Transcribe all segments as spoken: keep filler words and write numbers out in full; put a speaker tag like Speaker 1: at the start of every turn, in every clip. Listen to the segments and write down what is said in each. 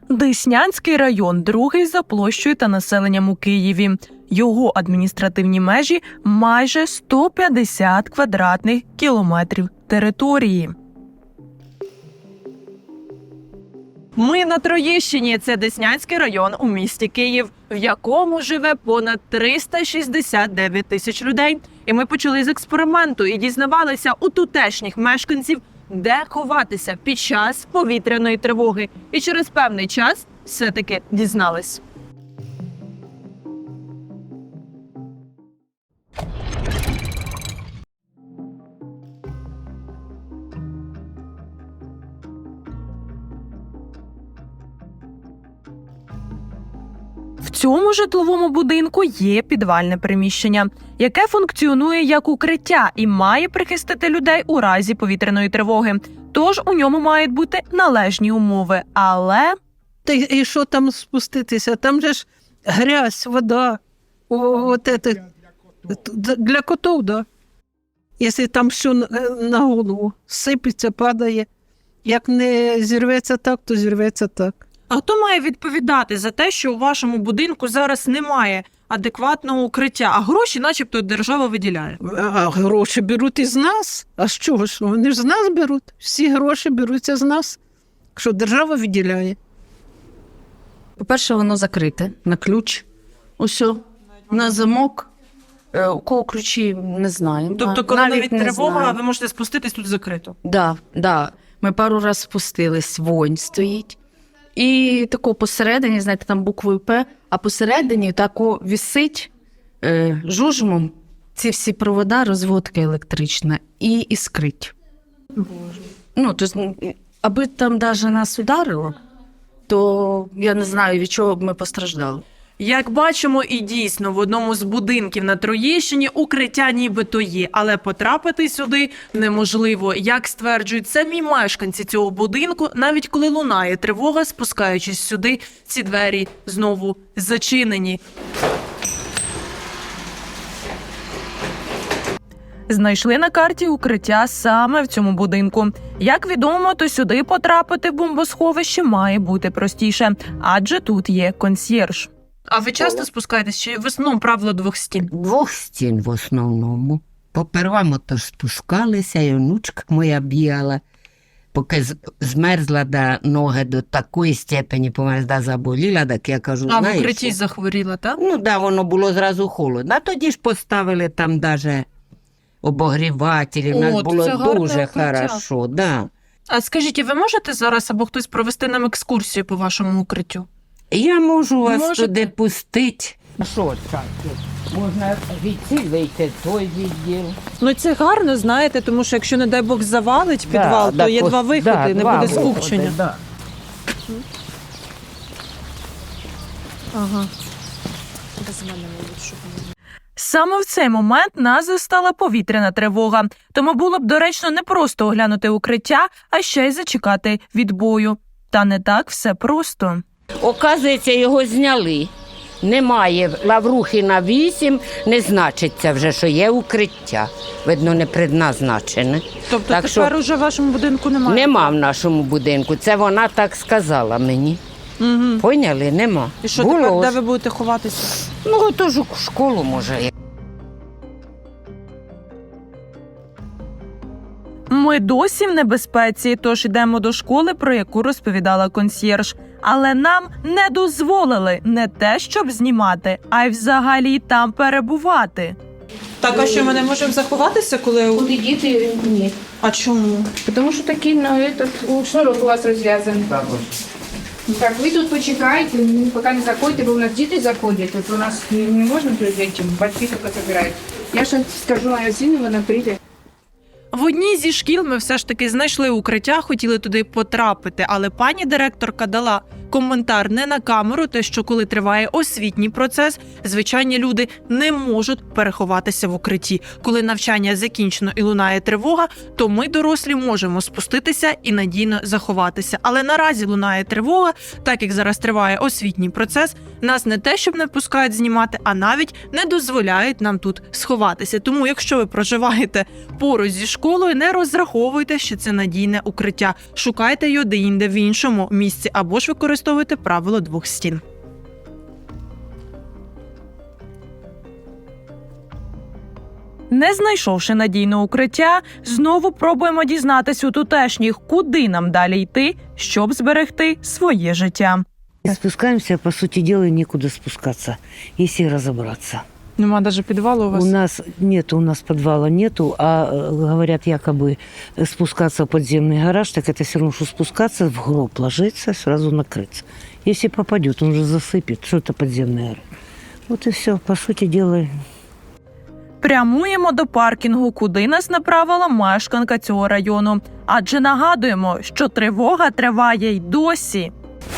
Speaker 1: Деснянський район – другий за площею та населенням у Києві. Його адміністративні межі – майже сто п'ятдесят квадратних кілометрів території. Ми на Троєщині – це Деснянський район у місті Київ, в якому живе понад триста шістдесят дев'ять тисяч людей. І ми почали з експерименту і дізнавалися у тутешніх мешканців, де ховатися під час повітряної тривоги. І через певний час все-таки дізнались. В цьому житловому будинку є підвальне приміщення, яке функціонує як укриття і має прихистити людей у разі повітряної тривоги. Тож у ньому мають бути належні умови. Але...
Speaker 2: Та й і що там спуститися? Там же ж грязь, вода. О, от это, для котов, да. Якщо там що на голову сипеться, падає. Як не зірветься так, то зірветься так.
Speaker 1: А хто має відповідати за те, що у вашому будинку зараз немає адекватного укриття, а гроші начебто держава виділяє?
Speaker 2: А гроші беруть із нас? А з чого ж? Вони ж з нас беруть. Всі гроші беруться з нас, що держава виділяє.
Speaker 3: По-перше, воно закрите на ключ. Усьо. На замок. Е, У кого ключі, не знаю.
Speaker 1: Тобто, коли навіть, навіть тривога,
Speaker 3: знаю.
Speaker 1: ви можете спуститись тут закрито?
Speaker 3: Да, да. Ми пару раз спустились, вонь стоїть. І тако посередині, знаєте, там буквою П, а посередині тако висить е, жужмом ці всі провода, розводка електрична, і іскрить. Боже. Ну, то, аби там навіть нас ударило, то я не знаю, від чого б ми постраждали.
Speaker 1: Як бачимо, і дійсно, в одному з будинків на Троєщині укриття нібито є, але потрапити сюди неможливо. Як стверджують самі мешканці цього будинку, навіть коли лунає тривога, спускаючись сюди, ці двері знову зачинені. Знайшли на карті укриття саме в цьому будинку. Як відомо, то сюди потрапити в бомбосховище має бути простіше, адже тут є консьєрж. А ви часто спускаєтесь, чи в основному правило двох стін?
Speaker 4: Двох стін в основному. Попервamo то спускалися, і онучка моя бігала, поки змерзла до ноги до такої степені, померзла, заболіла, так я кажу,
Speaker 1: А в
Speaker 4: знаєш,
Speaker 1: укритті захворіла, так?
Speaker 4: ну да, воно було зразу холодно. А тоді ж поставили там даже обогрівателі, в нас
Speaker 1: О, то
Speaker 4: було
Speaker 1: це гарне
Speaker 4: дуже
Speaker 1: укриття.
Speaker 4: хорошо, да.
Speaker 1: А скажіть, ви можете зараз або хтось провести нам екскурсію по вашому укриттю?
Speaker 4: Я можу вас
Speaker 1: Можете?
Speaker 4: туди пустити. Що так? Можна відси вийти, той відділ.
Speaker 5: Ну це гарно, знаєте, тому що якщо, не дай Бог, завалить підвал,
Speaker 4: Да,
Speaker 5: то є
Speaker 4: да,
Speaker 5: два
Speaker 4: пос-
Speaker 5: виходи,
Speaker 4: да,
Speaker 5: не
Speaker 4: два
Speaker 5: буде
Speaker 4: виходи,
Speaker 5: скупчення.
Speaker 4: да.
Speaker 5: Ага.
Speaker 1: Саме в цей момент нас застала повітряна тривога. Тому було б доречно не просто оглянути укриття, а ще й зачекати відбою. Та не так все просто.
Speaker 4: Оказується, його зняли. Немає Лаврухіна вісім, не значиться вже, що є укриття. Видно, не предназначене.
Speaker 5: Тобто
Speaker 4: Так
Speaker 5: тепер
Speaker 4: що-
Speaker 5: уже в вашому будинку немає?
Speaker 4: Нема в нашому будинку. Це вона так сказала мені.
Speaker 5: Угу.
Speaker 4: Поняли? Нема.
Speaker 5: І що
Speaker 4: Було
Speaker 5: тепер, де
Speaker 4: ж.
Speaker 5: ви будете ховатися?
Speaker 4: Ну, то ж у школу може.
Speaker 1: Ми досі в небезпеці, тож йдемо до школи, про яку розповідала консьєрж. Але нам не дозволили не те, щоб знімати, а й взагалі там перебувати.
Speaker 5: Так, а що, ми не можемо заховатися, коли...
Speaker 6: Куди діти? Ні.
Speaker 5: А чому?
Speaker 6: Тому що такий на этот, шнурок у вас розв'язаний. Так, ви тут почекайте, ну, поки не заходите, бо у нас діти заходять. От у нас не, не можна прийти, батьки тільки забирають. Я ще скажу моя сину, вона прийде.
Speaker 1: В одній зі шкіл ми все ж таки знайшли укриття, хотіли туди потрапити, але пані директорка дала коментар не на камеру, те, що коли триває освітній процес, звичайні люди не можуть переховатися в укритті. Коли навчання закінчено і лунає тривога, то ми, дорослі, можемо спуститися і надійно заховатися. Але наразі лунає тривога, так як зараз триває освітній процес, нас не те, щоб не пускають знімати, а навіть не дозволяють нам тут сховатися. Тому, якщо ви проживаєте поруч зі школою, не розраховуйте, що це надійне укриття. Шукайте його де-інде в іншому місці або ж використовуйте використовуйте правило двох стін. Не знайшовши надійне укриття, знову пробуємо дізнатись у тутешніх, куди нам далі йти, щоб зберегти своє життя.
Speaker 7: И спускаемся, по сути дела, некуда спускаться, если разобраться.
Speaker 5: Нема навіть підвалу у вас?
Speaker 7: У нас нету, у нас подвала нету, а э, говорят, якобы э, спускаться в подземный гараж, так это все равно, что спускаться, в гроб ложиться, сразу накрыться. Если попадет, он же засыпет, что это подземный гараж. Вот и все, по сути дела.
Speaker 1: Прямуємо до паркінгу, куди нас направила мешканка цього району. Адже нагадуємо, що тривога триває й досі.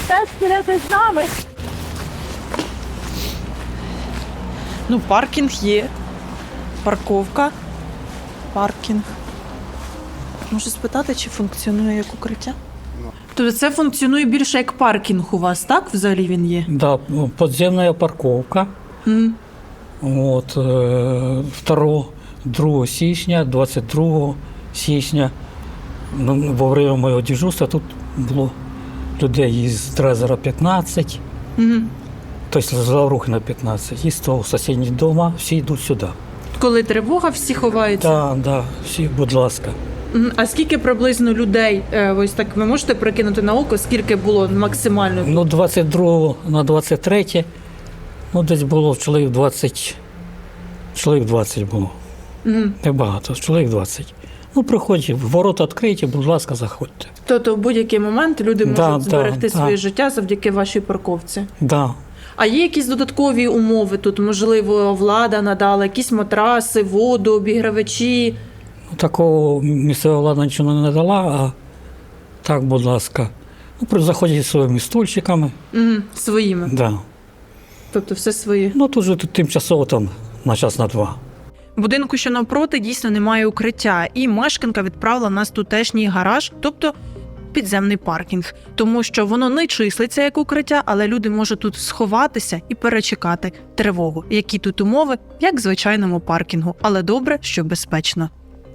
Speaker 5: Ну, паркінг є. Парковка. Паркінг. Можу спитати, чи функціонує як укриття?
Speaker 1: Тобто це функціонує більше як паркінг у вас, так? Взагалі він є?
Speaker 8: Да, подземная парковка.
Speaker 1: М.
Speaker 8: От, е, второго, другого січня, двадцять другого січня, ну, во время моєго дежурства тут було людей із Дрезера п'ятнадцять,
Speaker 1: Мгм.
Speaker 8: тобто з Лаврухина п'ятнадцять, і з того сусідніх дома всі йдуть сюди.
Speaker 1: Коли тривога, всі ховаються.
Speaker 8: Так, да, всі, будь ласка.
Speaker 1: Мгм. А скільки приблизно людей, е, ось так ви можете прикинути на око, скільки було максимально?
Speaker 8: Ну, двадцять другого на двадцять третє, ну, десь було чоловік двадцять, чоловік двадцять було.
Speaker 1: Мгм.
Speaker 8: Небагато, чоловік двадцять. Ну, приходьте, ворота відкриті, будь ласка, заходьте.
Speaker 1: Тобто в будь-який момент люди можуть
Speaker 8: Да, да,
Speaker 1: зберегти
Speaker 8: да.
Speaker 1: своє життя завдяки вашій парковці.
Speaker 8: Да.
Speaker 1: А є якісь додаткові умови тут? Можливо, влада надала якісь матраси, воду, обігрівачі?
Speaker 8: Ну, такого місцева влада нічого не надала, а так, будь ласка. Ну, при- заходять зі своїми стульчиками.
Speaker 1: Мгм. Своїми.
Speaker 8: Да.
Speaker 1: Тобто все своє.
Speaker 8: Ну, тут же тут тимчасово там на час, на два.
Speaker 1: Будинку, що навпроти, дійсно немає укриття, і мешканка відправила нас в тутешній гараж, тобто підземний паркінг, тому що воно не числиться як укриття, але люди можуть тут сховатися і перечекати тривогу. Які тут умови, як в звичайному паркінгу, але добре, що безпечно.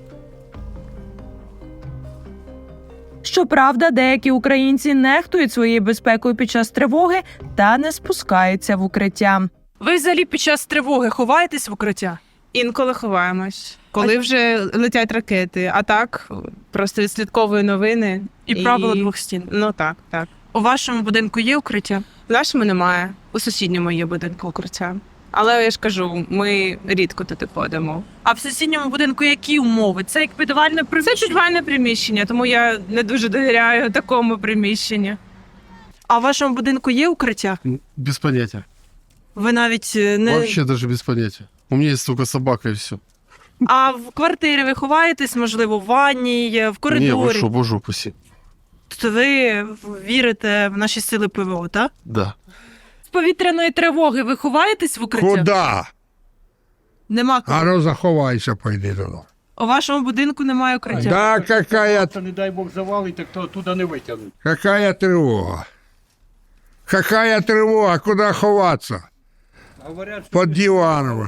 Speaker 1: Щоправда, деякі українці нехтують своєю безпекою під час тривоги та не спускаються в укриття. Ви взагалі під час тривоги ховаєтесь в укриття?
Speaker 9: Інколи ховаємось, коли вже летять ракети, а так просто відслідковую новини.
Speaker 1: І правило двох стін.
Speaker 9: Ну так, так.
Speaker 1: У вашому будинку є укриття?
Speaker 9: В нашому немає, у сусідньому є будинку укриття. Але я ж кажу, ми рідко туди ходимо.
Speaker 1: А в сусідньому будинку які умови? Це як підвальне
Speaker 9: Це
Speaker 1: приміщення?
Speaker 9: підвальне приміщення, тому я не дуже довіряю такому приміщенню.
Speaker 1: А в вашому будинку є укриття?
Speaker 10: Без понятия.
Speaker 1: Ви навіть е, не...
Speaker 10: Вообще даже без понятия. У меня есть только собака и все.
Speaker 1: А в квартирі ви ховаєтесь, можливо, в ванній, в
Speaker 10: Не, вы
Speaker 1: коридорі?
Speaker 10: что, боже упаси.
Speaker 1: То ви вірите в наші сили ПВО, так?
Speaker 10: Да.
Speaker 1: З повітряної тривоги ви ховаєтесь в укриття?
Speaker 11: Куда?
Speaker 1: Нема кого.
Speaker 11: А ну заховайся, пойди туди.
Speaker 1: У вашому будинку немає укриття?
Speaker 11: Да, какая,
Speaker 12: Не дай Бог завалить, так то туди не витягнуть.
Speaker 11: какая тревога? Какая тревога? Куда ховаться?
Speaker 12: Говорять, що
Speaker 11: Под диваном.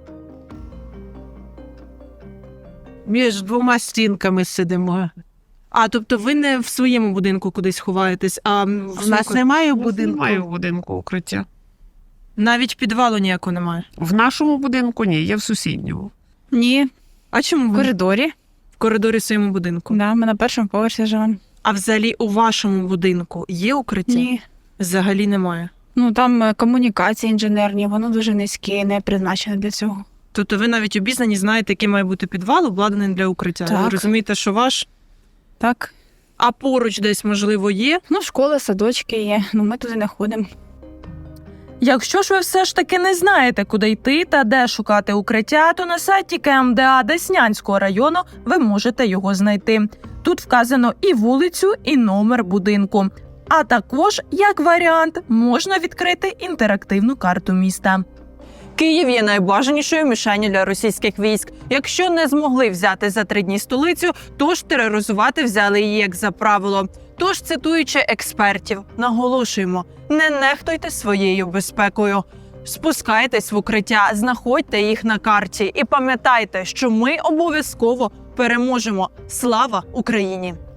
Speaker 2: Між двома стінками сидимо.
Speaker 1: А, тобто ви не в своєму будинку кудись ховаєтесь, а в
Speaker 2: У нас немає будинку.
Speaker 12: немає в будинку укриття.
Speaker 1: навіть підвалу ніякого немає?
Speaker 12: В нашому будинку ні, є в сусідньому.
Speaker 6: Ні,
Speaker 1: А чому
Speaker 6: в
Speaker 1: ви
Speaker 6: коридорі.
Speaker 1: в коридорі в своєму будинку?
Speaker 6: Да, ми на першому поверсі живемо.
Speaker 1: А взагалі у вашому будинку є укриття?
Speaker 6: Ні.
Speaker 1: Взагалі немає.
Speaker 6: Ну там е, комунікації інженерні, воно дуже низьке, не призначене для цього.
Speaker 1: Тобто ви навіть обізнані, знаєте, який має бути підвал, обладнаний для укриття.
Speaker 6: Так.
Speaker 1: Ви розумієте, що ваш,
Speaker 6: Так.
Speaker 1: а поруч десь, можливо, є?
Speaker 6: Ну, школа, садочки є, ну ми туди не ходимо.
Speaker 1: Якщо ж ви все ж таки не знаєте, куди йти та де шукати укриття, то на сайті Ка Ем Де А Деснянського району ви можете його знайти. Тут вказано і вулицю, і номер будинку. А також, як варіант, можна відкрити інтерактивну карту міста. Київ є найбажанішою мішенню для російських військ. Якщо не змогли взяти за три дні столицю, то ж тероризувати взяли її як за правило. Тож, цитуючи експертів, наголошуємо, не нехтуйте своєю безпекою. Спускайтесь в укриття, знаходьте їх на карті і пам'ятайте, що ми обов'язково переможемо. Слава Україні!